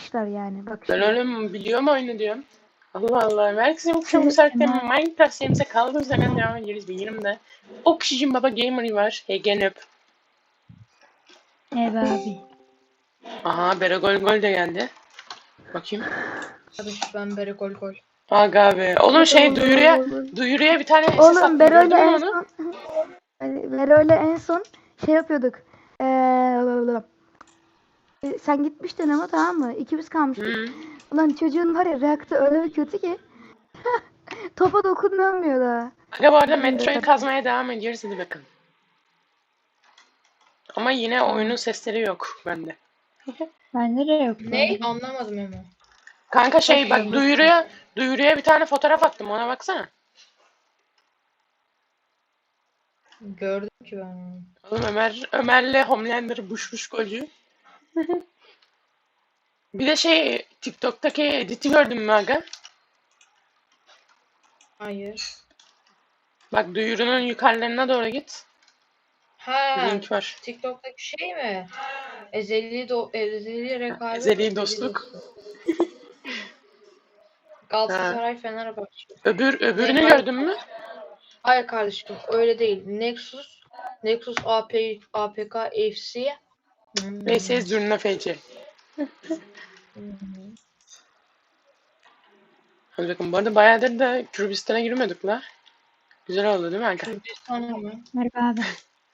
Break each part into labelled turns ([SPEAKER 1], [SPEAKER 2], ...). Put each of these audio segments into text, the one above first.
[SPEAKER 1] yapmışlar yani. Bak
[SPEAKER 2] Ben
[SPEAKER 1] şimdi.
[SPEAKER 2] öyle biliyorum oyunu diyorum. Allah Allah. Herkese okşam bu saatte Minecraft serimize kaldığımız yerden devam ediyoruz. Benim yanımda Oxygen Baba Gamer var. Egen öp.
[SPEAKER 3] Evet abi.
[SPEAKER 2] Aha Beragol Gol de geldi. Bakayım.
[SPEAKER 4] Tabii ben beri gol.
[SPEAKER 2] Aga be. Oğlum duyuruya bir tane SS
[SPEAKER 1] Oğlum
[SPEAKER 2] attım.
[SPEAKER 1] Bero'yla
[SPEAKER 2] Gördün mü
[SPEAKER 1] en
[SPEAKER 2] onu?
[SPEAKER 1] son Bero'yla en son şey yapıyorduk. Sen gitmiştin ama tamam mı? İkimiz kalmıştık.
[SPEAKER 2] Hı.
[SPEAKER 1] Ulan çocuğun var ya reaktör öyle bir kötü ki topa dokunmuyor da.
[SPEAKER 2] Aga bu arada Metro'yu kazmaya devam ediyoruz. Hadi bakalım. Ama yine oyunun sesleri yok bende.
[SPEAKER 3] Bende de yok.
[SPEAKER 4] Ne? Anlamadım ama.
[SPEAKER 2] Kanka şey bak
[SPEAKER 4] Bakıyorum.
[SPEAKER 2] duyuruya bir tane fotoğraf attım. Ona baksana.
[SPEAKER 4] Gördüm ki ben onu.
[SPEAKER 2] Oğlum Ömer'le Homelander buş golcü. Bir de şey TikTok'taki editi gördün mü aga?
[SPEAKER 4] Hayır.
[SPEAKER 2] Bak duyurunun yukarılarına doğru git.
[SPEAKER 4] Ha.
[SPEAKER 2] Link var.
[SPEAKER 4] TikTok'taki şey mi? Ezeli rekabet.
[SPEAKER 2] Ezeli dostluk.
[SPEAKER 4] Galatasaray Fenerbahçe.
[SPEAKER 2] Öbürünü
[SPEAKER 4] Ne?
[SPEAKER 2] gördün mü?
[SPEAKER 4] Hayır kardeşim öyle değil. Nexus APK FC.
[SPEAKER 2] VS Zurna FC. Hadi bakın bu arada bayağıdır da Kürdistan'a girmiyorduk la. Güzel oldu değil mi aga?
[SPEAKER 4] Kürdistan mı?
[SPEAKER 3] Merhaba abi.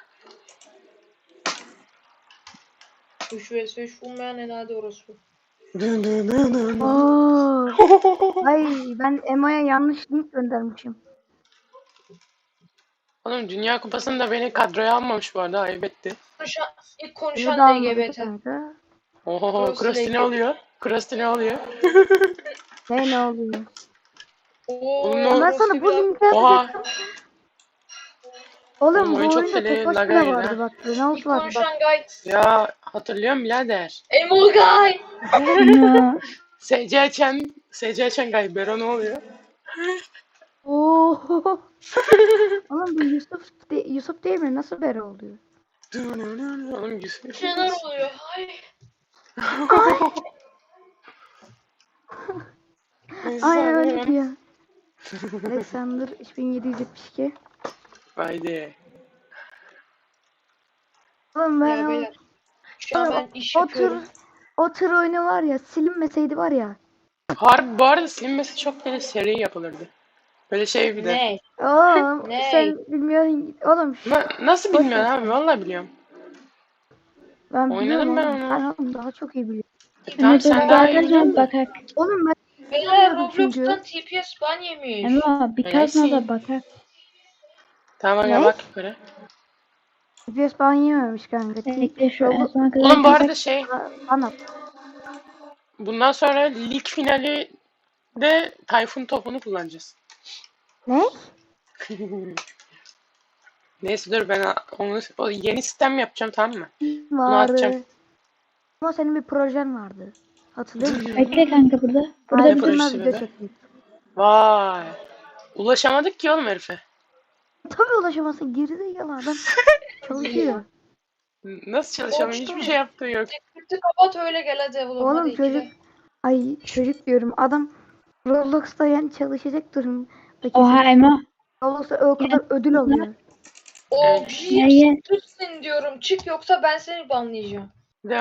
[SPEAKER 4] 3 vs 3 bulmayan herhalde orası.
[SPEAKER 1] Oo. Ay ben Emo'ya yanlış link göndermişim.
[SPEAKER 2] Oğlum Dünya Kupası'nda beni kadroya almamış bu arada. Ayıp etti.
[SPEAKER 4] İlk
[SPEAKER 1] Bunu da
[SPEAKER 4] konuşan
[SPEAKER 1] almadı
[SPEAKER 4] LGBT.
[SPEAKER 1] kanka.
[SPEAKER 2] Oho
[SPEAKER 4] Cross
[SPEAKER 2] Krusty ne
[SPEAKER 4] leg.
[SPEAKER 2] oluyor? Krusty ne oluyor?
[SPEAKER 1] Ne oluyor?
[SPEAKER 2] Oğlum,
[SPEAKER 4] Oo,
[SPEAKER 1] Ben sana bu linki
[SPEAKER 2] Oha.
[SPEAKER 1] atacaktım. Oğlum bu
[SPEAKER 2] oyun çok
[SPEAKER 1] oyunda tek
[SPEAKER 2] lag
[SPEAKER 1] başına
[SPEAKER 2] yedi
[SPEAKER 1] vardı
[SPEAKER 2] ha.
[SPEAKER 1] bak.
[SPEAKER 4] İlk
[SPEAKER 1] Renault vardı bak.
[SPEAKER 4] konuşan guy.
[SPEAKER 2] Ya hatırlıyorum birader.
[SPEAKER 4] Emo guy.
[SPEAKER 3] Ya.
[SPEAKER 2] SC açan Gaybero ne oluyor?
[SPEAKER 1] Oo. Oğlum bu Yusuf değil mi? Nasıl bere oluyor?
[SPEAKER 2] Oğlum güzel.
[SPEAKER 4] Şeyler oluyor. Ay.
[SPEAKER 1] Aynen öyle diyor. Alexander 3772.
[SPEAKER 2] Haydi.
[SPEAKER 1] Oğlum ben
[SPEAKER 4] Ya
[SPEAKER 1] o,
[SPEAKER 4] beyler. Şu an ben iş
[SPEAKER 1] o tür
[SPEAKER 4] yapıyorum.
[SPEAKER 1] o tür oyunu var ya silinmeseydi var ya.
[SPEAKER 2] Harbi bu arada silinmesi çok böyle seri yapılırdı. Böyle şey bir de.
[SPEAKER 4] Ne?
[SPEAKER 1] Oğlum
[SPEAKER 4] Ne?
[SPEAKER 1] sen bilmiyorsun. Oğlum
[SPEAKER 2] Nasıl
[SPEAKER 1] Boş
[SPEAKER 2] bilmiyorsun
[SPEAKER 1] ver
[SPEAKER 2] abi?
[SPEAKER 1] sen.
[SPEAKER 2] Vallahi biliyorum.
[SPEAKER 1] ben
[SPEAKER 2] Oynadım
[SPEAKER 1] biliyorum
[SPEAKER 2] ben
[SPEAKER 1] oğlum.
[SPEAKER 2] onu.
[SPEAKER 1] Ben oğlum daha çok iyi biliyorum.
[SPEAKER 2] Tamam sen
[SPEAKER 3] Dur
[SPEAKER 2] daha iyi
[SPEAKER 3] arkadaşlar
[SPEAKER 2] biliyorsun da.
[SPEAKER 3] bakak.
[SPEAKER 1] Oğlum ben
[SPEAKER 4] Beyler
[SPEAKER 1] bilmiyordum çünkü.
[SPEAKER 4] Roblox'tan TPS ban yemiş.
[SPEAKER 3] Ama bir kazma da bakak.
[SPEAKER 2] Tamam aga
[SPEAKER 1] Ne?
[SPEAKER 2] bak yukarı.
[SPEAKER 1] FPS ban yememiş kanka.
[SPEAKER 3] Bekle şu en
[SPEAKER 1] Roblox
[SPEAKER 3] sona kadar
[SPEAKER 2] Oğlum bu
[SPEAKER 3] bakak.
[SPEAKER 2] arada şey
[SPEAKER 1] anlat.
[SPEAKER 2] bundan sonra lig finali de Tayfun topunu kullanacağız.
[SPEAKER 1] Ne?
[SPEAKER 2] Neyse dur ben o yeni sistem yapacağım tamam mı?
[SPEAKER 1] Vardı.
[SPEAKER 2] atacağım.
[SPEAKER 1] Ama senin bir projen vardı. Hatırlıyor musun?
[SPEAKER 3] Bekle kanka burada.
[SPEAKER 2] Ne
[SPEAKER 3] Burada bir
[SPEAKER 1] Aydın'la
[SPEAKER 2] projesi
[SPEAKER 1] video
[SPEAKER 2] be?
[SPEAKER 1] çektik.
[SPEAKER 2] Vay. Ulaşamadık ki oğlum herife.
[SPEAKER 1] Tabii ulaşamazsın. Gerizekalı adam çalışıyor.
[SPEAKER 2] Nasıl çalışalım? Hiçbir şey yaptığı yok.
[SPEAKER 4] Script'i kapat öyle gel hadi oğlum.
[SPEAKER 1] Oğlum
[SPEAKER 4] Hadi
[SPEAKER 1] çocuk.
[SPEAKER 4] ikile.
[SPEAKER 1] Ay çocuk diyorum. Adam Roblox'ta yani çalışacak durum.
[SPEAKER 3] Oha Emo.
[SPEAKER 1] Roblox'ta o kadar ödül alıyor.
[SPEAKER 4] O
[SPEAKER 2] Evet.
[SPEAKER 3] Ya, ya.
[SPEAKER 4] Çıksın diyorum. Çık yoksa ben seni banlayacağım.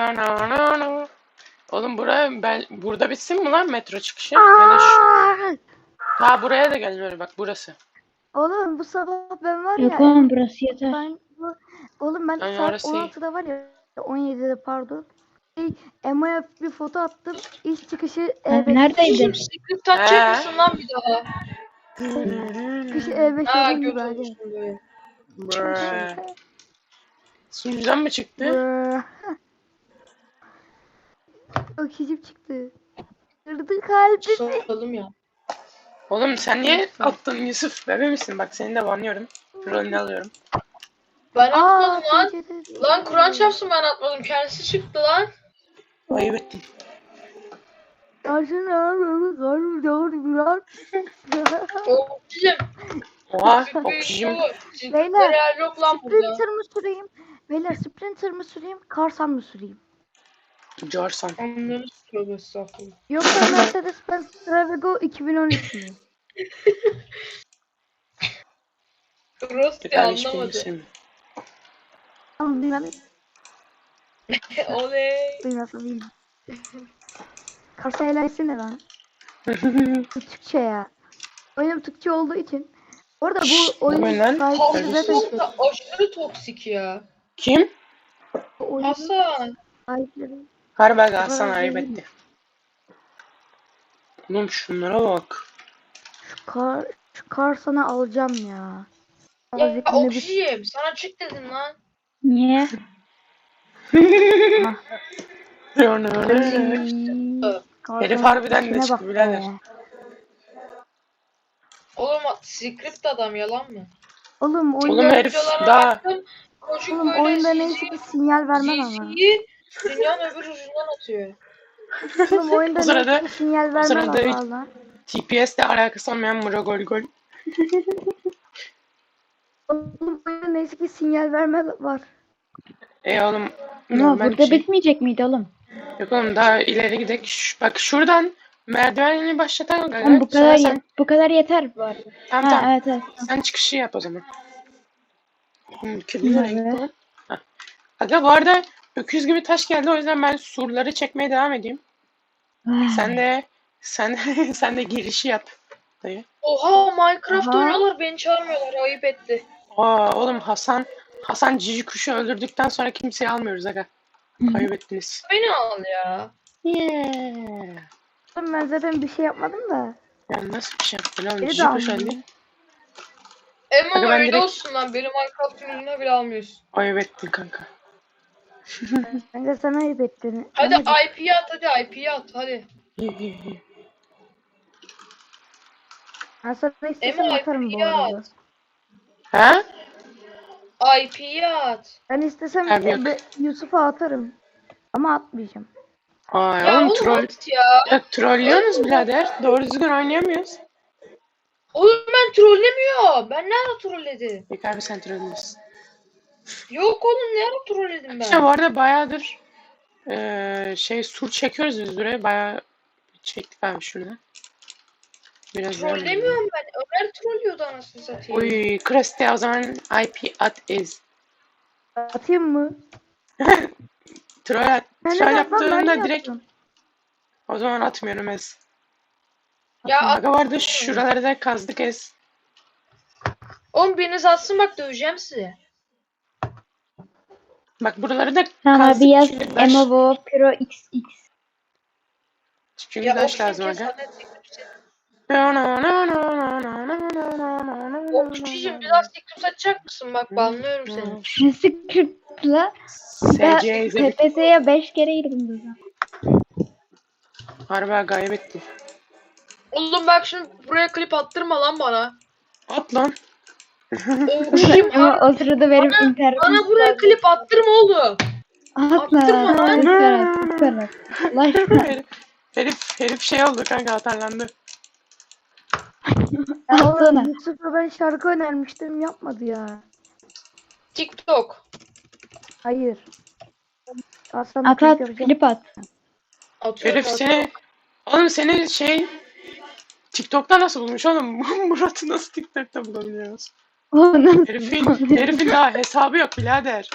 [SPEAKER 2] Oğlum burada bitsin mi lan metro çıkışı? Ya da
[SPEAKER 1] Aa!
[SPEAKER 2] ha buraya da gel böyle bak burası.
[SPEAKER 1] Oğlum bu sabah ben var
[SPEAKER 3] Yok
[SPEAKER 1] ya.
[SPEAKER 3] oğlum burası yeter.
[SPEAKER 1] Oğlum ben
[SPEAKER 2] Yani
[SPEAKER 1] saat
[SPEAKER 2] orası iyi.
[SPEAKER 1] 16'da var ya. 17'de pardon. Emo'ya bir foto attım. İş çıkışı E5.
[SPEAKER 3] Neredeydin?
[SPEAKER 4] Script atacak mısın lan bir daha?
[SPEAKER 1] Çıkışı E5
[SPEAKER 4] Ha
[SPEAKER 1] onun gibi
[SPEAKER 4] göt
[SPEAKER 1] hadi.
[SPEAKER 4] olmuşsun böyle.
[SPEAKER 2] Brrr. Sunucudan mı çıktı?
[SPEAKER 1] Brrr. O kişim çıktı. Kırdı kalbimi.
[SPEAKER 4] Soralım ya.
[SPEAKER 2] Oğlum sen niye attın Yusuf? Bebe misin? Bak seni de banlıyorum. Rolünü alıyorum.
[SPEAKER 4] Ben atmadım lan.
[SPEAKER 1] TC'de
[SPEAKER 4] Lan Kur'an çarpsın ben atmadım. Kendisi çıktı lan.
[SPEAKER 2] Ayıp ettin.
[SPEAKER 4] Oksijen.
[SPEAKER 2] Oha oksijen.
[SPEAKER 1] Beyler,
[SPEAKER 4] Yok lan burada.
[SPEAKER 1] Sprinter mı süreyim? Beyler Sprinter mı süreyim? Karsan mı süreyim?
[SPEAKER 2] Corsan.
[SPEAKER 4] Anlarız tövbe estağfurullah.
[SPEAKER 1] Yoksa Mercedes-Benz Travigo 2013 mü?
[SPEAKER 4] Rosti
[SPEAKER 2] Kardeş benim
[SPEAKER 4] anlamadı.
[SPEAKER 2] isim.
[SPEAKER 1] Ama bilmem.
[SPEAKER 4] Oley.
[SPEAKER 1] Duymasın bilmem. Kasa eğlencesi ne lan? Bu Türkçe ya. Oyunum Türkçe olduğu için. Orada
[SPEAKER 2] Şşş,
[SPEAKER 1] bu oyunun
[SPEAKER 2] oyun lan.
[SPEAKER 1] sahipleri
[SPEAKER 2] Kardeşim.
[SPEAKER 1] zaten
[SPEAKER 4] Hasan da aşırı toksik ya.
[SPEAKER 2] Kim?
[SPEAKER 1] bu oyunun
[SPEAKER 4] Hasan.
[SPEAKER 1] sahipleri.
[SPEAKER 2] Harbi
[SPEAKER 1] kadar
[SPEAKER 2] Hasan ayıp
[SPEAKER 1] zengin.
[SPEAKER 2] etti. Oğlum şunlara bak.
[SPEAKER 1] Şu kar sana alacağım ya.
[SPEAKER 4] Ya
[SPEAKER 1] Azıcık
[SPEAKER 4] Oksijim sana çık dedim lan.
[SPEAKER 3] Niye?
[SPEAKER 2] Herif harbiden de çıktı
[SPEAKER 1] bak
[SPEAKER 2] birader.
[SPEAKER 1] be.
[SPEAKER 4] Oğlum script adam yalan mı?
[SPEAKER 1] Oğlum
[SPEAKER 2] Oğlum
[SPEAKER 1] oyunda,
[SPEAKER 2] herif
[SPEAKER 4] Videolara
[SPEAKER 2] daha
[SPEAKER 4] baktım. Çocuk
[SPEAKER 1] oğlum
[SPEAKER 4] böyle
[SPEAKER 1] oyunda neyse ki sinyal vermez ama.
[SPEAKER 4] GC'yi dünyanın öbür ucundan atıyor.
[SPEAKER 1] Oğlum oyunda
[SPEAKER 2] O sırada-
[SPEAKER 1] neyse ki sinyal
[SPEAKER 2] o
[SPEAKER 1] vermez
[SPEAKER 2] sırada
[SPEAKER 1] ama valla.
[SPEAKER 2] TPS'le alakası olmayan Mura gol.
[SPEAKER 1] Oğlum oyunda neyse ki sinyal vermez var.
[SPEAKER 2] Oğlum
[SPEAKER 3] Ama
[SPEAKER 2] normal bir
[SPEAKER 3] burada
[SPEAKER 2] şey.
[SPEAKER 3] bitmeyecek miydi oğlum?
[SPEAKER 2] Yok oğlum daha ileri gidelim. Bak şuradan merdivenini başlatalım
[SPEAKER 3] Oğlum
[SPEAKER 2] gaga.
[SPEAKER 3] bu kadar
[SPEAKER 2] Sonra sen
[SPEAKER 3] bu kadar yeter bu arada.
[SPEAKER 2] tamam
[SPEAKER 3] Ha
[SPEAKER 2] tamam.
[SPEAKER 3] evet evet.
[SPEAKER 2] Sen çıkışı yap o zaman. Kedi nereye
[SPEAKER 3] Nerede?
[SPEAKER 2] gitti lan? Hah. Aga bu arada öküz gibi taş geldi o yüzden ben surları çekmeye devam edeyim. Sen de sen de girişi yap. Dayı.
[SPEAKER 4] Oha Minecraft
[SPEAKER 1] Aha.
[SPEAKER 4] oynuyorlar beni çağırmıyorlar ayıp etti.
[SPEAKER 2] Aa oğlum Hasan cici kuşu öldürdükten sonra kimseyi almıyoruz aga. Kaybettiniz.
[SPEAKER 4] Beni al ya.
[SPEAKER 2] Yeah.
[SPEAKER 1] Oğlum ben zaten bir şey yapmadım da.
[SPEAKER 2] Ya nasıl bir şey yaptın oğlum?
[SPEAKER 1] Beni de
[SPEAKER 2] Cici kuş
[SPEAKER 1] almıyor.
[SPEAKER 2] öldü.
[SPEAKER 4] Ama
[SPEAKER 2] Aga ben
[SPEAKER 4] öyle
[SPEAKER 2] direkt-
[SPEAKER 4] olsun lan beni Minecraft yüzüne bile almıyorsun.
[SPEAKER 2] Kaybettin kanka.
[SPEAKER 1] Ben de sana ayıp ettim.
[SPEAKER 4] Hadi
[SPEAKER 1] Ama
[SPEAKER 4] IP'yi at hadi IP'yi at hadi.
[SPEAKER 1] ben sana istesem
[SPEAKER 4] Emo
[SPEAKER 1] atarım bu
[SPEAKER 4] IP'yi
[SPEAKER 1] arada.
[SPEAKER 4] at.
[SPEAKER 2] Ha?
[SPEAKER 4] IP'yi at.
[SPEAKER 1] Ben istesem
[SPEAKER 2] Abi yok.
[SPEAKER 1] Yusuf'a atarım. Ama atmayacağım.
[SPEAKER 2] Ay
[SPEAKER 4] Ya
[SPEAKER 2] oğlum
[SPEAKER 4] oğlum
[SPEAKER 2] troll.
[SPEAKER 4] at ya.
[SPEAKER 2] Ya trollüyorsunuz birader. Doğru düzgün oynayamıyoruz.
[SPEAKER 4] Oğlum ben trollemiyorum. Ben ne ara trolledim?
[SPEAKER 2] Yok abi sen trollüyorsun.
[SPEAKER 4] Yok oğlum ne ara trolledim
[SPEAKER 2] İşte bu
[SPEAKER 4] ben?
[SPEAKER 2] arada bayağıdır sur çekiyoruz biz buraya. Bayağı çektik abi şurada. Biraz daha.
[SPEAKER 4] Trollemiyorum ben. Ömer trollüyordu anasını satayım.
[SPEAKER 2] Uy Kreste o zaman IP at is.
[SPEAKER 1] Atayım mı?
[SPEAKER 2] Troll
[SPEAKER 1] Ben de
[SPEAKER 2] troll
[SPEAKER 1] yapmam, ben
[SPEAKER 2] yaptığında
[SPEAKER 1] de
[SPEAKER 2] direkt
[SPEAKER 1] yaptım.
[SPEAKER 2] o zaman atmıyorum ez.
[SPEAKER 4] Ya at.
[SPEAKER 2] Aga vardı şuraları da kazdık ez.
[SPEAKER 4] Oğlum biriniz atsın bak döveceğim sizi.
[SPEAKER 2] Bak buraları da
[SPEAKER 3] Tamam
[SPEAKER 2] kazdık
[SPEAKER 3] abi yaz
[SPEAKER 2] çünkü taş,
[SPEAKER 3] Emovo Pro XX.
[SPEAKER 2] çünkü
[SPEAKER 4] Ya
[SPEAKER 2] taş
[SPEAKER 4] oksijen
[SPEAKER 2] lazım
[SPEAKER 4] kes
[SPEAKER 2] aga.
[SPEAKER 4] zaten teklifsin. Oksijen biraz teklif atacak mısın? Bak banlıyorum seni.
[SPEAKER 3] Script'la ben
[SPEAKER 2] SC izledik.
[SPEAKER 3] TPS'ye 5 kere girdim burada.
[SPEAKER 2] Harbi kaybetti.
[SPEAKER 4] Oğlum bak şimdi buraya klip attırma lan bana.
[SPEAKER 2] At lan.
[SPEAKER 4] Oksijen
[SPEAKER 3] Ama o sırada benim internetim
[SPEAKER 4] bana buraya klip attırma oğlum.
[SPEAKER 3] atma
[SPEAKER 4] attırma lan.
[SPEAKER 3] lütfen at lütfen at. Allah aşkına.
[SPEAKER 2] herif şey oldu kanka atarlandı.
[SPEAKER 1] Ya
[SPEAKER 3] Atsana.
[SPEAKER 1] oğlum Yusuf'a ben şarkı önermiştim yapmadı ya.
[SPEAKER 4] TikTok.
[SPEAKER 1] Hayır. Aslan
[SPEAKER 3] At
[SPEAKER 1] klip
[SPEAKER 3] at
[SPEAKER 1] yapacağım.
[SPEAKER 3] klip at.
[SPEAKER 4] Atıyorum
[SPEAKER 2] Herif seni oğlum seni TikTok'ta nasıl bulmuş oğlum? Murat'ı nasıl TikTok'ta bulabiliyoruz?
[SPEAKER 3] O nasıl?
[SPEAKER 2] Herifin daha hesabı yok birader.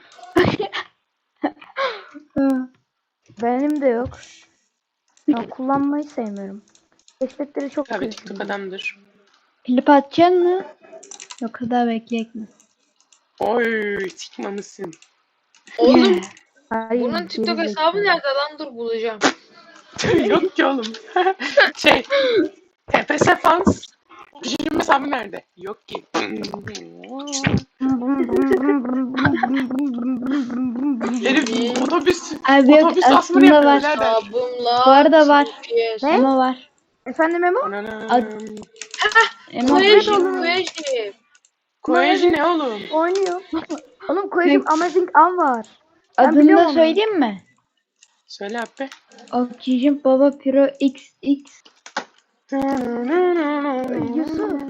[SPEAKER 1] Benim de yok. Ya kullanmayı sevmiyorum. Keşfetleri çok
[SPEAKER 2] Tabii
[SPEAKER 1] kötü.
[SPEAKER 2] TikTok adamdır.
[SPEAKER 3] Klip atacaksın mı? Yok kadar bekleyek mi?
[SPEAKER 2] Oy çıkmamışsın.
[SPEAKER 4] Oğlum
[SPEAKER 1] Hayır,
[SPEAKER 4] bunun TikTok
[SPEAKER 1] geri
[SPEAKER 4] hesabı
[SPEAKER 1] zekalı.
[SPEAKER 4] nerede lan dur bulacağım.
[SPEAKER 2] Yok ki oğlum. TPS fans. Oksijenin hesabı nerede? Yok ki. Herif otobüs
[SPEAKER 3] Abi yok
[SPEAKER 2] asmır
[SPEAKER 3] aslında
[SPEAKER 2] yapıyor
[SPEAKER 3] var.
[SPEAKER 2] birader.
[SPEAKER 4] Hesabımla.
[SPEAKER 3] Bu arada var.
[SPEAKER 4] TPS.
[SPEAKER 1] Ne?
[SPEAKER 3] Emo var.
[SPEAKER 1] Efendim Emo?
[SPEAKER 2] Ananam.
[SPEAKER 3] Emo
[SPEAKER 4] Koyajim
[SPEAKER 1] oğlum.
[SPEAKER 4] koyajim.
[SPEAKER 2] Koleji ne oğlum?
[SPEAKER 1] Oynuyor. Oğlum koyacağım Amazing Am var. Ben
[SPEAKER 3] adını
[SPEAKER 1] biliyorum
[SPEAKER 3] da
[SPEAKER 1] onu.
[SPEAKER 3] söyleyeyim mi?
[SPEAKER 2] Söyle abi.
[SPEAKER 3] Oxygen Baba Pro XX.
[SPEAKER 1] Yusuf.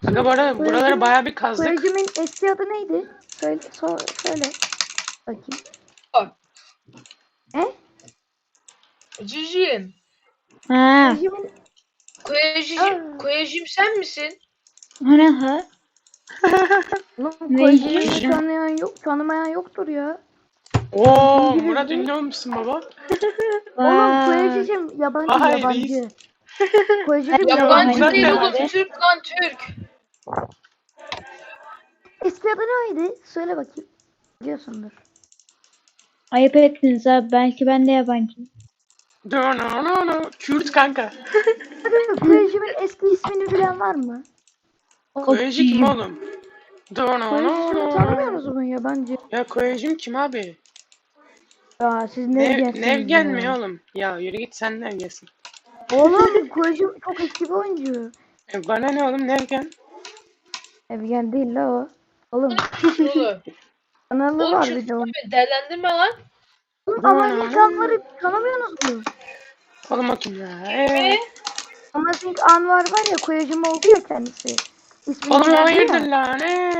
[SPEAKER 2] Aga bu arada buraları bayağı bir kazdık.
[SPEAKER 1] Koyucumun eski adı neydi? Söyle. Bakayım.
[SPEAKER 4] Bak.
[SPEAKER 1] Ne?
[SPEAKER 4] Cicim.
[SPEAKER 3] Ha.
[SPEAKER 1] Koyucumun... Aa.
[SPEAKER 4] Koyacım sen misin?
[SPEAKER 3] O ne ha?
[SPEAKER 1] Lan
[SPEAKER 3] Ne
[SPEAKER 1] koyucumu
[SPEAKER 2] yiyeceğim?
[SPEAKER 1] tanımayan yoktur ya.
[SPEAKER 2] Oo Murat ünlü olmuşsun baba.
[SPEAKER 1] Oğlum
[SPEAKER 3] Vay.
[SPEAKER 1] koyucum yabancı
[SPEAKER 2] Vay,
[SPEAKER 1] yabancı.
[SPEAKER 2] reis.
[SPEAKER 1] Koyucum
[SPEAKER 4] Yabancı
[SPEAKER 2] Murat
[SPEAKER 4] değil
[SPEAKER 2] ne
[SPEAKER 4] oğlum.
[SPEAKER 3] abi?
[SPEAKER 4] Türk lan Türk.
[SPEAKER 1] Eski adı neydi? Söyle bakayım. Biliyorsundur.
[SPEAKER 3] Ayıp ettiniz abi. Belki ben de yabancıyım.
[SPEAKER 2] Kürt kanka.
[SPEAKER 1] Hadi koyucumun eski ismini bilen var mı?
[SPEAKER 2] Koyacı kim oğlum?
[SPEAKER 1] Koyucumu tanımıyorsunuz mu yabancı?
[SPEAKER 2] Ya Koyacım kim abi?
[SPEAKER 1] Ya siz ne gelsiniz
[SPEAKER 2] Nevgen
[SPEAKER 1] ya?
[SPEAKER 2] mi oğlum? Ya yürü git sen Nevgen'sin.
[SPEAKER 1] Oğlum koyucum çok eski bir oyuncu.
[SPEAKER 2] Bana ne oğlum Nevgen?
[SPEAKER 1] Evgen değil la o. Oğlum
[SPEAKER 4] Oğlum.
[SPEAKER 1] kanalı
[SPEAKER 4] Oğlum
[SPEAKER 1] var
[SPEAKER 4] şu
[SPEAKER 1] bir de onun.
[SPEAKER 4] değerlendirme lan.
[SPEAKER 1] Oğlum Amazing Anvar'ı tanımıyorsunuz mu?
[SPEAKER 2] Oğlum o kim ya?
[SPEAKER 4] Ne?
[SPEAKER 1] Amazing Anvar var ya koyucum oldu ya kendisi. İsmini
[SPEAKER 2] Oğlum
[SPEAKER 1] verdi
[SPEAKER 2] hayırdır
[SPEAKER 1] ya.
[SPEAKER 2] lan?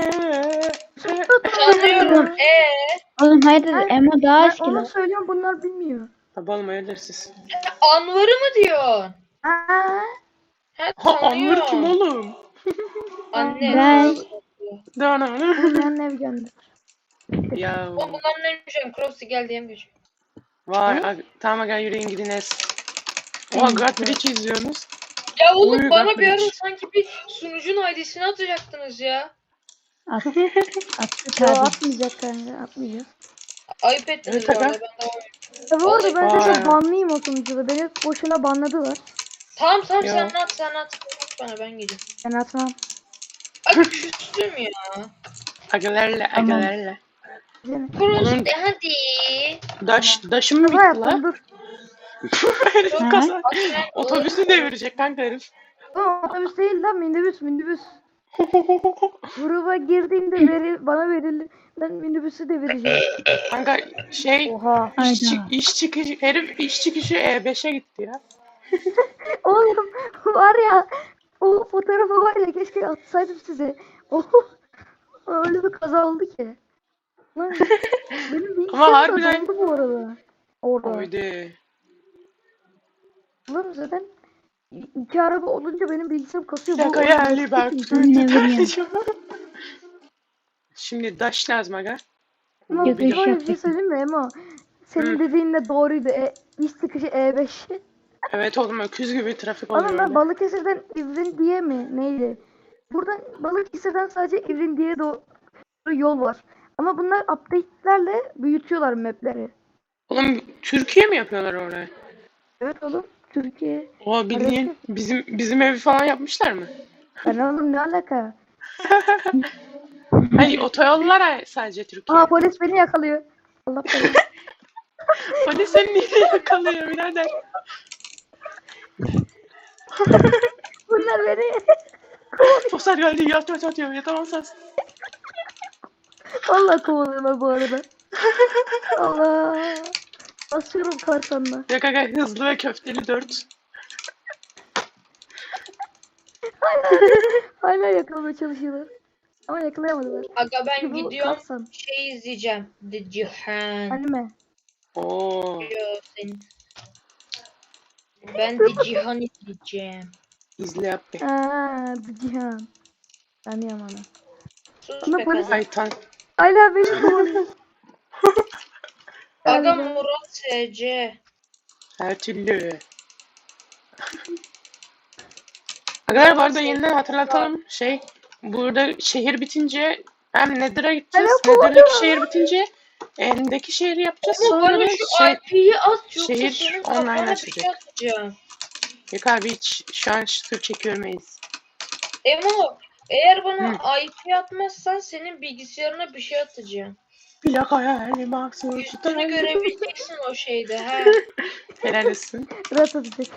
[SPEAKER 4] Tanıyorum.
[SPEAKER 3] Oğlum hayırdır
[SPEAKER 1] Ha,
[SPEAKER 3] Emo daha
[SPEAKER 1] Ben
[SPEAKER 3] eski
[SPEAKER 1] onu
[SPEAKER 3] lan.
[SPEAKER 1] söylüyorum bunlar bilmiyor.
[SPEAKER 2] Tabi oğlum hayırdır siz?
[SPEAKER 4] Anvar'ı mı diyorsun?
[SPEAKER 1] Aa,
[SPEAKER 4] He
[SPEAKER 2] Ha Anvur kim
[SPEAKER 4] tanıyorum.
[SPEAKER 2] oğlum?
[SPEAKER 4] Anne.
[SPEAKER 3] Ben-
[SPEAKER 1] olmayan Evgen'dir.
[SPEAKER 2] Ya
[SPEAKER 4] Oğlum bunlar neymiş? Crossy gel diyemiyor.
[SPEAKER 2] vay
[SPEAKER 1] Ne?
[SPEAKER 2] tamam aga yürüyün gidin es. Oha God Bridge izliyorsunuz.
[SPEAKER 4] Ya oğlum
[SPEAKER 2] Uy,
[SPEAKER 4] bana
[SPEAKER 2] bak
[SPEAKER 4] bir ara
[SPEAKER 2] hiç.
[SPEAKER 4] sanki bir sunucunun ID'sini atacaktınız ya.
[SPEAKER 3] Attık
[SPEAKER 1] Yo
[SPEAKER 3] abi.
[SPEAKER 1] atmayacak kanka atmayacağız.
[SPEAKER 4] Ayıp ettiniz
[SPEAKER 2] Evet,
[SPEAKER 4] bu
[SPEAKER 2] aga.
[SPEAKER 4] arada. Ben de
[SPEAKER 1] Ya bu arada ben
[SPEAKER 2] Vay.
[SPEAKER 1] zaten banlıyım o sunucuda. Beni boşuna banladılar.
[SPEAKER 4] Tamam
[SPEAKER 2] Yo.
[SPEAKER 4] sen at. Sen at bana ben gideyim.
[SPEAKER 1] Ben atmam.
[SPEAKER 4] Ay küstüm ya.
[SPEAKER 2] Agalarla
[SPEAKER 3] Tamam.
[SPEAKER 2] agalarla.
[SPEAKER 1] Seni.
[SPEAKER 4] Crossy hadi.
[SPEAKER 2] Daşım mı
[SPEAKER 1] Kaza
[SPEAKER 2] bitti
[SPEAKER 1] yaptım
[SPEAKER 2] la?
[SPEAKER 1] dur.
[SPEAKER 2] Herif
[SPEAKER 3] Ha?
[SPEAKER 2] kaza. Otobüsü devirecek kanka herif.
[SPEAKER 1] Oğlum otobüs değil lan minibüs. Gruba girdiğimde bana verildi. Ben minibüsü de vereceğim.
[SPEAKER 2] Kanka şey
[SPEAKER 1] Oha.
[SPEAKER 3] Hayda.
[SPEAKER 2] iş çıkışı herif iş çıkışı E5'e gitti ya.
[SPEAKER 1] Oğlum var ya o fotoğrafı var ya keşke atsaydım size. Oh, öyle bir kaza oldu ki. Lan, benim bilgisayarım da
[SPEAKER 2] harbiden-
[SPEAKER 1] doldu bu arada. Orada.
[SPEAKER 2] Haydi.
[SPEAKER 1] Oğlum zaten iki araba olunca benim bilgisayarım kasıyor.
[SPEAKER 2] Şaka
[SPEAKER 1] Bu
[SPEAKER 2] yani bak.
[SPEAKER 3] Ne bileyim.
[SPEAKER 2] Şimdi daş lazım aga.
[SPEAKER 1] Ama
[SPEAKER 3] Götür
[SPEAKER 1] bir
[SPEAKER 3] iş
[SPEAKER 1] şey
[SPEAKER 3] yapacak.
[SPEAKER 1] söyleyeyim mi Emo? Senin
[SPEAKER 2] Hı.
[SPEAKER 1] dediğin de doğruydu. İş çıkışı E5.
[SPEAKER 2] Evet oğlum öküz gibi trafik
[SPEAKER 1] Oğlum
[SPEAKER 2] oluyor
[SPEAKER 1] ben
[SPEAKER 2] öyle.
[SPEAKER 1] Balıkesir'den İvrindiye mi neydi? Buradan Balıkesir'den sadece İvrindiye'ye doğru yol var. Ama bunlar update'lerle büyütüyorlar map'leri.
[SPEAKER 2] Oğlum Türkiye mi yapıyorlar oraya?
[SPEAKER 1] Evet oğlum. Türkiye.
[SPEAKER 2] O bildiğin bizim evi falan yapmışlar mı?
[SPEAKER 1] Ben oğlum ne alaka?
[SPEAKER 2] Hani otoyollara sadece Türkiye.
[SPEAKER 1] Aa polis beni yakalıyor. Allah belanı.
[SPEAKER 2] Hadi seni niye yakalıyor birader?
[SPEAKER 1] Bunlar beni.
[SPEAKER 2] Sosyal geldi yat yatamam sensin.
[SPEAKER 1] Allah kovalıyorlar bu arada. Allah. Basıyorum karsanla.
[SPEAKER 2] Ya kanka hızlı ve köfteli 4.
[SPEAKER 1] Hala yakalamaya çalışıyorlar. Ama yakalayamadılar.
[SPEAKER 4] Aga ben
[SPEAKER 1] Bu
[SPEAKER 4] gidiyorum.
[SPEAKER 1] karsan.
[SPEAKER 4] Şey izleyeceğim. The Cihan.
[SPEAKER 1] Anime.
[SPEAKER 2] Oo.
[SPEAKER 4] Diyor senin. Ben The Cihan izleyeceğim.
[SPEAKER 2] İzle yap be.
[SPEAKER 1] Aaa Cihan. Tanıyorum onu.
[SPEAKER 4] Sus
[SPEAKER 1] Ama
[SPEAKER 4] be
[SPEAKER 1] polis-
[SPEAKER 4] kadın.
[SPEAKER 2] Ay tan.
[SPEAKER 1] Hala beni kovalıyor.
[SPEAKER 4] Aga
[SPEAKER 1] Galiba.
[SPEAKER 4] Murat SC.
[SPEAKER 2] Her türlü. Arkadaşlar bu arada yeniden hatırlatalım. Burada şehir bitince hem Nether'a gideceğiz.
[SPEAKER 1] Hala
[SPEAKER 2] Nether'daki şehir bitince End'deki şehri yapacağız.
[SPEAKER 4] Ama
[SPEAKER 2] Sonra
[SPEAKER 4] bana
[SPEAKER 2] da
[SPEAKER 4] şu IP'yi at yoksa
[SPEAKER 2] şehir
[SPEAKER 4] senin
[SPEAKER 2] online
[SPEAKER 4] kafana bir
[SPEAKER 2] açacak.
[SPEAKER 4] şey atacağım.
[SPEAKER 2] Yok abi hiç şu an tır çekiyormayız.
[SPEAKER 4] Emo eğer bana IP atmazsan senin bilgisayarına bir şey atacağım.
[SPEAKER 2] Plak hayali mahsus.
[SPEAKER 4] Yüzünü görebileceksin o şeyde ha.
[SPEAKER 2] Helal olsun.
[SPEAKER 1] Rahat atacak.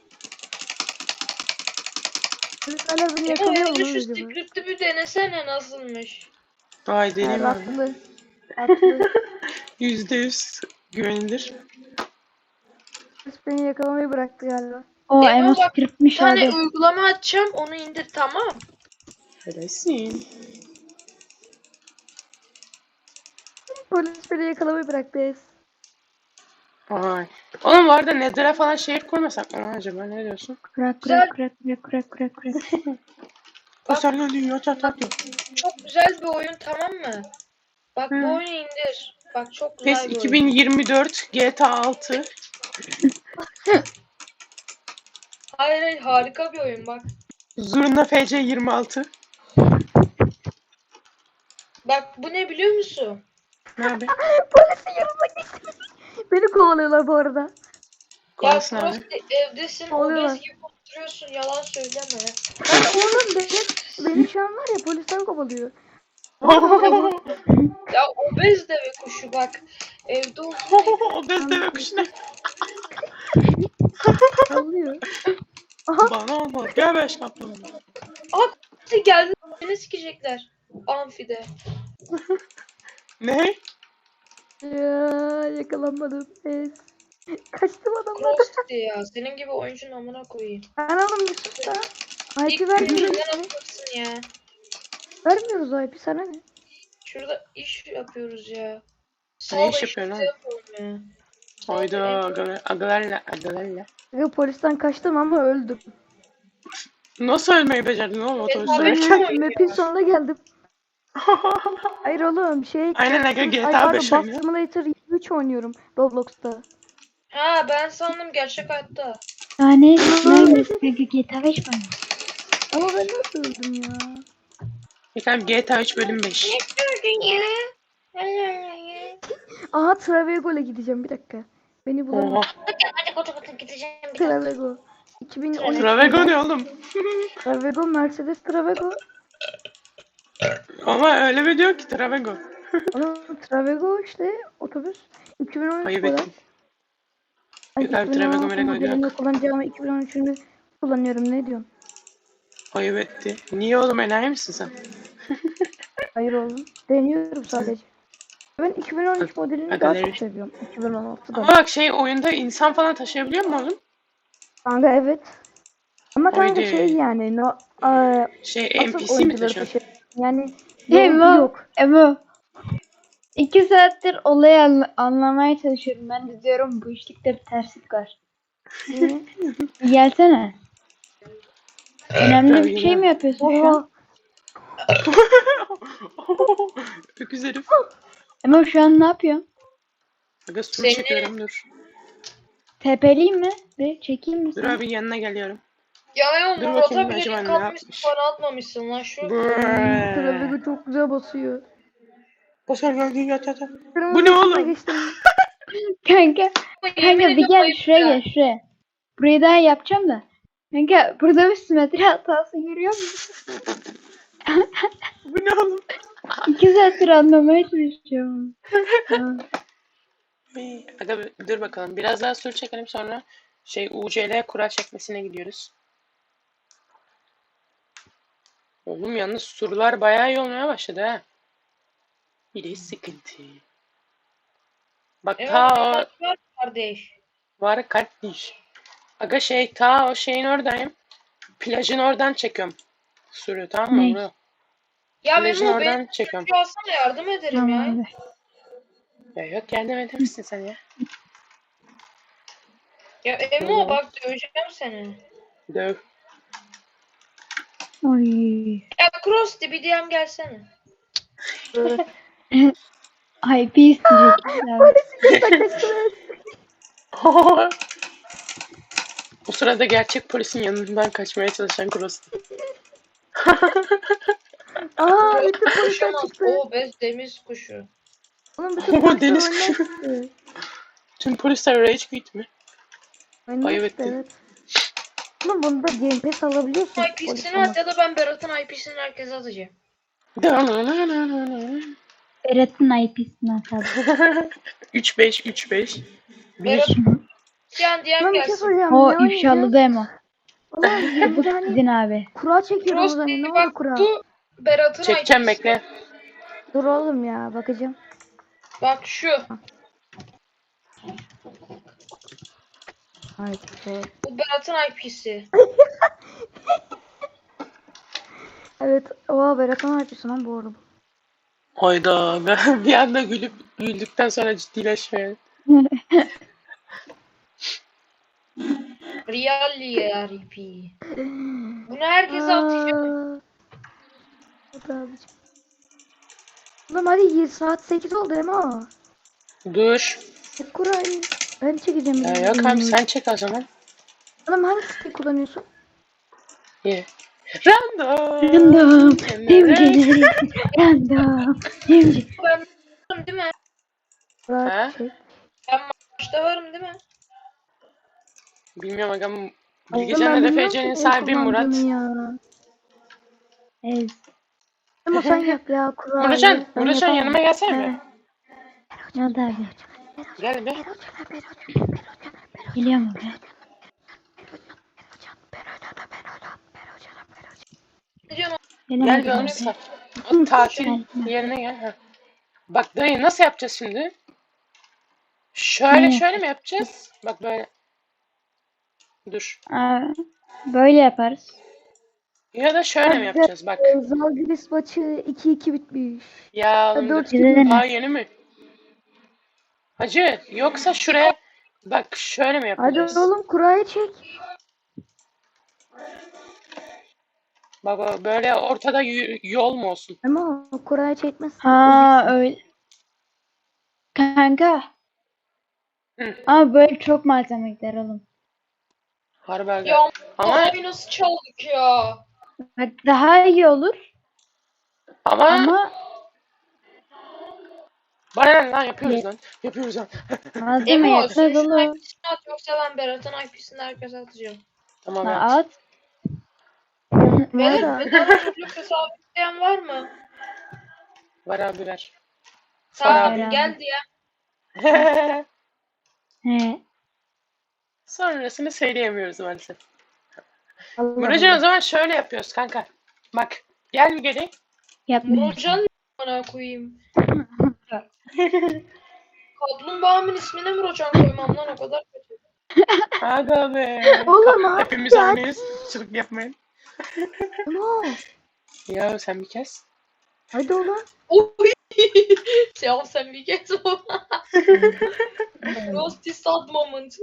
[SPEAKER 1] Polis hala beni
[SPEAKER 4] Emo
[SPEAKER 1] yakalıyor
[SPEAKER 4] hele
[SPEAKER 1] mu
[SPEAKER 4] şu
[SPEAKER 1] lan acaba?
[SPEAKER 4] script'i bir denesene nasılmış.
[SPEAKER 2] Vay
[SPEAKER 1] Ha,
[SPEAKER 2] deneyim abi.
[SPEAKER 1] haklı. Haklı.
[SPEAKER 2] %100 güvenilir.
[SPEAKER 1] Polis beni yakalamayı bıraktı galiba.
[SPEAKER 3] O
[SPEAKER 4] Emo
[SPEAKER 3] Emo
[SPEAKER 4] bak, Bir
[SPEAKER 3] scriptmiş
[SPEAKER 4] tane
[SPEAKER 3] abi.
[SPEAKER 4] uygulama açacağım onu indir tamam.
[SPEAKER 2] Helalsin.
[SPEAKER 1] Polis beni yakalamayı bıraktı.
[SPEAKER 2] Ay. Oğlum bu arada Nether'a falan şehir kurmasak mı acaba, ne diyorsun?
[SPEAKER 3] Kurak
[SPEAKER 4] Güzel.
[SPEAKER 3] kurak kurak kurak kurak kurak kurak.
[SPEAKER 2] Kusarla diyor çat diyor.
[SPEAKER 4] Çok güzel bir oyun, tamam mı? Bak
[SPEAKER 2] Hı.
[SPEAKER 4] bu oyunu indir. Bak çok
[SPEAKER 2] PES
[SPEAKER 4] güzel bir oyun.
[SPEAKER 2] 2024 GTA 6.
[SPEAKER 4] Hayır hayır, harika bir oyun bak.
[SPEAKER 2] Zurna FC 26.
[SPEAKER 4] Bak bu ne biliyor musun?
[SPEAKER 2] Ne abi?
[SPEAKER 1] Polisin yanına geçti. Beni kovalıyorlar bu arada.
[SPEAKER 4] Ya
[SPEAKER 2] Kolasın
[SPEAKER 4] Cross
[SPEAKER 2] abi.
[SPEAKER 4] evdesin,
[SPEAKER 1] Oluyorlar.
[SPEAKER 4] obez gibi oturuyorsun, yalan söyleme.
[SPEAKER 1] Lan oğlum beni şu an var ya polisler kovalıyor. Oğlum,
[SPEAKER 4] Ya obez deve kuşu bak. Evde oturuyor.
[SPEAKER 2] O deve kuş ne?
[SPEAKER 1] sallıyor. Aha
[SPEAKER 2] Bana olmaz. Gel be şaplı.
[SPEAKER 4] Geldi, beni sikecekler. Amfide.
[SPEAKER 2] Ne?
[SPEAKER 1] ya, yakalanmadım. Kaçtım adamlardan.
[SPEAKER 4] Cross ya. Senin gibi oyuncunun amına koyayım.
[SPEAKER 1] Ben oğlum bir sus da.
[SPEAKER 4] İlk
[SPEAKER 1] IP vermiyoruz.
[SPEAKER 4] gününden atacaksın ya.
[SPEAKER 1] Vermiyoruz IP sana ne?
[SPEAKER 4] Şurada iş yapıyoruz ya.
[SPEAKER 2] Ne
[SPEAKER 4] Sağ
[SPEAKER 2] iş
[SPEAKER 4] da
[SPEAKER 2] yapıyorsun
[SPEAKER 4] işimizi
[SPEAKER 2] oğlum?
[SPEAKER 4] yapalım ya. Sağ da
[SPEAKER 2] Hayda
[SPEAKER 4] ev-
[SPEAKER 2] agalarla.
[SPEAKER 1] Yo, polisten kaçtım ama öldüm.
[SPEAKER 2] Nasıl ölmeyi becerdin oğlum otobüs
[SPEAKER 4] Abi,
[SPEAKER 1] Ben
[SPEAKER 2] sürerken?
[SPEAKER 4] oynuyor.
[SPEAKER 1] map'in sonuna geldim. Hayır oğlum
[SPEAKER 2] Aynen aga
[SPEAKER 1] Ay
[SPEAKER 2] GTA 5
[SPEAKER 1] pardon, Bus
[SPEAKER 2] oynuyor.
[SPEAKER 1] Simulator 3 oynuyorum Roblox'ta.
[SPEAKER 4] Ha ben sandım gerçek hayatta.
[SPEAKER 3] Yani neredesin kanka, GTA 5 mi?
[SPEAKER 1] Ama ben nasıl öldüm ya?
[SPEAKER 2] Efendim GTA 3 bölüm 5.
[SPEAKER 1] Aha Travego'la gideceğim bir dakika. Beni bulamaz.
[SPEAKER 2] Oha.
[SPEAKER 4] Hadi kotu kotu gideceğim bir
[SPEAKER 1] Travego. 2013
[SPEAKER 2] Travego
[SPEAKER 1] model.
[SPEAKER 2] ne oğlum?
[SPEAKER 1] Travego, Mercedes Travego.
[SPEAKER 2] Ama öyle mi diyor ki Travego?
[SPEAKER 1] Onun Travego işte otobüs. 2013
[SPEAKER 2] Ayıp
[SPEAKER 1] model.
[SPEAKER 2] ettin.
[SPEAKER 1] Ay
[SPEAKER 2] Yok abi Travego
[SPEAKER 1] 2016
[SPEAKER 2] Merego
[SPEAKER 1] modelini
[SPEAKER 2] yok.
[SPEAKER 1] kullanacağım, 2013'ünü kullanıyorum, ne diyorsun?
[SPEAKER 2] Ayıp etti. Niye oğlum, enayi misin sen?
[SPEAKER 1] Hayır oğlum. Deniyorum sadece. Ben 2013 modelini daha
[SPEAKER 2] Agaları.
[SPEAKER 1] çok seviyorum.
[SPEAKER 2] Ama
[SPEAKER 1] 2016'dan.
[SPEAKER 2] bak oyunda insan falan taşıyabiliyor mu oğlum?
[SPEAKER 1] Kanka evet. Ama kanka
[SPEAKER 2] Haydi.
[SPEAKER 1] yani asıl
[SPEAKER 2] NPC mi
[SPEAKER 1] oyuncuları
[SPEAKER 2] taşıyor?
[SPEAKER 1] taşı. Yani yolcu
[SPEAKER 3] Emo.
[SPEAKER 1] yok.
[SPEAKER 3] Emo. 2 saattir olayı anlamaya çalışıyorum. Ben de diyorum bu işlikte bir terslik var.
[SPEAKER 1] Niye?
[SPEAKER 3] Bir gelsene. Önemli
[SPEAKER 2] Tabii
[SPEAKER 3] bir şey mi
[SPEAKER 2] geliyorum.
[SPEAKER 3] yapıyorsun şu an?
[SPEAKER 2] Öküz herif.
[SPEAKER 3] Emo şu an ne yapıyorsun?
[SPEAKER 2] Aga sur
[SPEAKER 4] Seni-
[SPEAKER 2] çekiyorum dur.
[SPEAKER 3] TP'liyim mi? Bir çekeyim mi
[SPEAKER 2] Dur
[SPEAKER 3] seni?
[SPEAKER 2] abi yanına geliyorum.
[SPEAKER 4] Ya
[SPEAKER 2] Dur
[SPEAKER 4] Murat'a
[SPEAKER 2] bakayım
[SPEAKER 4] bile
[SPEAKER 2] acaba
[SPEAKER 4] link
[SPEAKER 2] ne
[SPEAKER 4] atmışsın,
[SPEAKER 2] yapmış.
[SPEAKER 4] bana atmamışsın lan şu.
[SPEAKER 1] Travego çok güzel basıyor.
[SPEAKER 2] Basar geldi yat.
[SPEAKER 1] Kırmızı
[SPEAKER 2] Bu ne
[SPEAKER 1] ışıkla
[SPEAKER 2] oğlum?
[SPEAKER 1] geçtim.
[SPEAKER 3] Kanka,
[SPEAKER 4] Yemin
[SPEAKER 3] bir
[SPEAKER 4] ediyorum
[SPEAKER 3] gel
[SPEAKER 4] ayıp
[SPEAKER 3] şuraya
[SPEAKER 4] ya.
[SPEAKER 3] gel şuraya. Burayı daha yapacağım da. Kanka burada bir simetri hatası görüyor musun?
[SPEAKER 2] Bu ne oğlum?
[SPEAKER 3] 2 saattir anlamaya çalışıyorum. Ha.
[SPEAKER 2] Aga dur bakalım. Biraz daha sur çekelim, sonra UCL kura çekmesine gidiyoruz. Oğlum yalnız surlar bayağı iyi olmaya başladı ha. Bir de sıkıntı. Bak
[SPEAKER 4] Evet,
[SPEAKER 2] ta
[SPEAKER 4] var kardeş.
[SPEAKER 2] var kardeş. Aga ta o şeyin oradayım. Plajın oradan çekiyorum. Sürü tamam mı?
[SPEAKER 3] Ne?
[SPEAKER 2] Bunu.
[SPEAKER 4] Ya
[SPEAKER 2] Plajın
[SPEAKER 4] Memo, benim
[SPEAKER 2] oradan çekiyorum.
[SPEAKER 4] şu alsana, yardım ederim
[SPEAKER 3] Tamam
[SPEAKER 4] ya.
[SPEAKER 3] abi.
[SPEAKER 2] Ya yok yardım eder misin sen ya?
[SPEAKER 4] Ya Emo bak, döveceğim seni.
[SPEAKER 2] Döv.
[SPEAKER 3] Oy.
[SPEAKER 4] Ya Cross bir DM gelsene.
[SPEAKER 3] IP isteyecek abi.
[SPEAKER 1] Polisin yanından kaçtım.
[SPEAKER 2] O sırada gerçek polisin yanından kaçmaya çalışan Cross.
[SPEAKER 1] Aa, bütün polisler
[SPEAKER 4] Konuşamaz.
[SPEAKER 1] çıktı.
[SPEAKER 4] O bez deniz kuşu.
[SPEAKER 1] Oğlum bütün polisler
[SPEAKER 2] Deniz
[SPEAKER 1] oyundan
[SPEAKER 2] kuşu.
[SPEAKER 1] çıktı.
[SPEAKER 2] Tüm polisler rage quit mi?
[SPEAKER 1] Oyundan
[SPEAKER 2] Ayıp
[SPEAKER 1] çıktı,
[SPEAKER 2] ettin.
[SPEAKER 1] evet. Oğlum bunda Game Pass alabiliyorsun.
[SPEAKER 4] IP'sini
[SPEAKER 1] Polis
[SPEAKER 4] at ya da ben Berat'ın IP'sini herkese atacağım.
[SPEAKER 3] Berat'ın IP'sini atalım.
[SPEAKER 2] 3-5
[SPEAKER 4] Berat
[SPEAKER 2] 1.
[SPEAKER 4] yani DM
[SPEAKER 1] Lan bir şey
[SPEAKER 4] gelsin.
[SPEAKER 1] soracağım.
[SPEAKER 3] O
[SPEAKER 1] Ne oynayacağız?
[SPEAKER 3] ifşalı demo.
[SPEAKER 1] Oğlum bir
[SPEAKER 3] Çabuk
[SPEAKER 1] de hani
[SPEAKER 3] gidin abi.
[SPEAKER 1] kura çekiyordunuz
[SPEAKER 4] Cross
[SPEAKER 1] hani, ne oldu
[SPEAKER 4] bak,
[SPEAKER 1] kura?
[SPEAKER 4] bu Berat'ın
[SPEAKER 2] Çekeceğim
[SPEAKER 4] IP'si.
[SPEAKER 2] bekle.
[SPEAKER 1] Dur oğlum ya, bakacağım.
[SPEAKER 4] Bak şu.
[SPEAKER 1] Hayır. Dur.
[SPEAKER 4] Bu Berat'ın IP'si.
[SPEAKER 1] Evet. Oha Berat ne yapıyorsun lan bu arada?
[SPEAKER 2] Hayda. Ben bir anda güldükten sonra ciddileşmeye.
[SPEAKER 4] RP. Bunu herkese atacağım.
[SPEAKER 1] Aa, hadi abicim. Oğlum hadi saat 8 oldu Emo.
[SPEAKER 2] Dur.
[SPEAKER 1] Kurayı. Ben çekeceğim.
[SPEAKER 2] Ya yok abi sen çek o zaman.
[SPEAKER 1] Oğlum hangi siteyi kullanıyorsun?
[SPEAKER 2] Ye. Random.
[SPEAKER 3] Random.
[SPEAKER 2] Kenara.
[SPEAKER 3] Random. Dimci.
[SPEAKER 4] Ben varım değil mi?
[SPEAKER 1] Kuray
[SPEAKER 2] Ha?
[SPEAKER 1] çek.
[SPEAKER 4] Ben maçta varım değil mi?
[SPEAKER 2] Bilmiyorum agam.
[SPEAKER 1] Oğlum
[SPEAKER 2] Bilgecan'la
[SPEAKER 1] ben bilmiyorum
[SPEAKER 2] RFC'nin
[SPEAKER 1] ki
[SPEAKER 2] sahibi Murat.
[SPEAKER 1] kullandığını ya.
[SPEAKER 3] Ez.
[SPEAKER 1] Ama sen yap ya Kurayı.
[SPEAKER 2] Muratcan,
[SPEAKER 1] Ben
[SPEAKER 2] Muratcan
[SPEAKER 1] yapamam.
[SPEAKER 2] yanıma gelsene
[SPEAKER 3] He.
[SPEAKER 2] mi?
[SPEAKER 3] Ne oldu abi?
[SPEAKER 2] Gel be.
[SPEAKER 3] Geliyor mu be?
[SPEAKER 4] Ne diyorsun?
[SPEAKER 2] Gel
[SPEAKER 3] Gelemedim
[SPEAKER 2] bir oğlum
[SPEAKER 3] abi.
[SPEAKER 2] sen. O tatil
[SPEAKER 3] Gel.
[SPEAKER 2] yerine gel. Ha. Bak dayı nasıl yapacağız şimdi? Şöyle
[SPEAKER 3] Ne?
[SPEAKER 2] şöyle mi yapacağız? Bak böyle. Dur.
[SPEAKER 3] Aa, böyle yaparız.
[SPEAKER 2] Ya da şöyle mi yapacağız? Bak.
[SPEAKER 1] Zalgiris maçı 2-2 bitmiş.
[SPEAKER 2] Ya
[SPEAKER 1] Hadi
[SPEAKER 2] oğlum dur.
[SPEAKER 1] 4
[SPEAKER 3] Bize de
[SPEAKER 1] gibi.
[SPEAKER 3] ne?
[SPEAKER 2] Daha yeni mi? Hacı yoksa şuraya bak şöyle mi
[SPEAKER 1] Hadi
[SPEAKER 2] yapacağız?
[SPEAKER 1] oğlum Kurayı çek.
[SPEAKER 2] Bak böyle ortada yol mu olsun?
[SPEAKER 1] Ama Kurayı çekmezsen
[SPEAKER 3] Ha
[SPEAKER 1] eziksin.
[SPEAKER 3] öyle. Kanka.
[SPEAKER 2] Hı.
[SPEAKER 3] Ama böyle çok malzeme gider oğlum.
[SPEAKER 2] Harbi aga.
[SPEAKER 4] Ya
[SPEAKER 2] Ama
[SPEAKER 4] abi nasıl çaldık ya?
[SPEAKER 3] Bak daha iyi olur
[SPEAKER 2] ama
[SPEAKER 3] ama
[SPEAKER 2] bana ne lan yapıyoruz lan. Yapıyoruz lan.
[SPEAKER 3] malzeme
[SPEAKER 4] Emo sen
[SPEAKER 3] yetmez
[SPEAKER 4] şunun
[SPEAKER 3] oğlum.
[SPEAKER 4] IP'sini at yoksa ben Berat'ın IP'sini herkese atacağım.
[SPEAKER 2] Tamam
[SPEAKER 3] Ha,
[SPEAKER 2] evet.
[SPEAKER 3] at.
[SPEAKER 4] Beyler
[SPEAKER 1] Valla.
[SPEAKER 4] bedava Roblox hesabı isteyen var mı?
[SPEAKER 2] Var abi ver.
[SPEAKER 4] Tamam
[SPEAKER 3] abi.
[SPEAKER 4] geldi ya.
[SPEAKER 3] He.
[SPEAKER 2] Sonrasını söyleyemiyoruz maalesef.
[SPEAKER 1] Allah
[SPEAKER 2] Muratcan o
[SPEAKER 1] Allah.
[SPEAKER 2] zaman şöyle yapıyoruz kanka. Bak gel bir geri.
[SPEAKER 3] Yapmayacağım.
[SPEAKER 4] Muratcan bana koyayım. Kaplumbağamın ismine Muratcan koymam lan o kadar kötü.
[SPEAKER 2] Aga be.
[SPEAKER 1] Oğlum abi
[SPEAKER 2] Hepimiz
[SPEAKER 1] ya.
[SPEAKER 2] aynıyız. Çılık yapmayın.
[SPEAKER 1] Emo.
[SPEAKER 2] Ya sen bir kes.
[SPEAKER 1] Hadi oğlum.
[SPEAKER 4] Oy. Ya sen bir kez o. Roasty sad moment.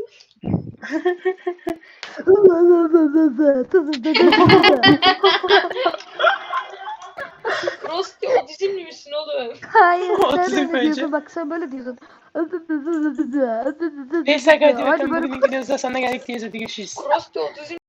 [SPEAKER 4] Roasty otizmli misin oğlum?
[SPEAKER 1] Hayır sen
[SPEAKER 2] Otizm
[SPEAKER 1] öyle
[SPEAKER 2] bence.
[SPEAKER 1] diyorsun bak sen böyle diyorsun.
[SPEAKER 2] Neyse aga hadi
[SPEAKER 1] Hadi
[SPEAKER 2] bakalım
[SPEAKER 1] böyle
[SPEAKER 2] bugünün videosu da sonuna geldik diye hadi görüşürüz.
[SPEAKER 4] Roasty otizm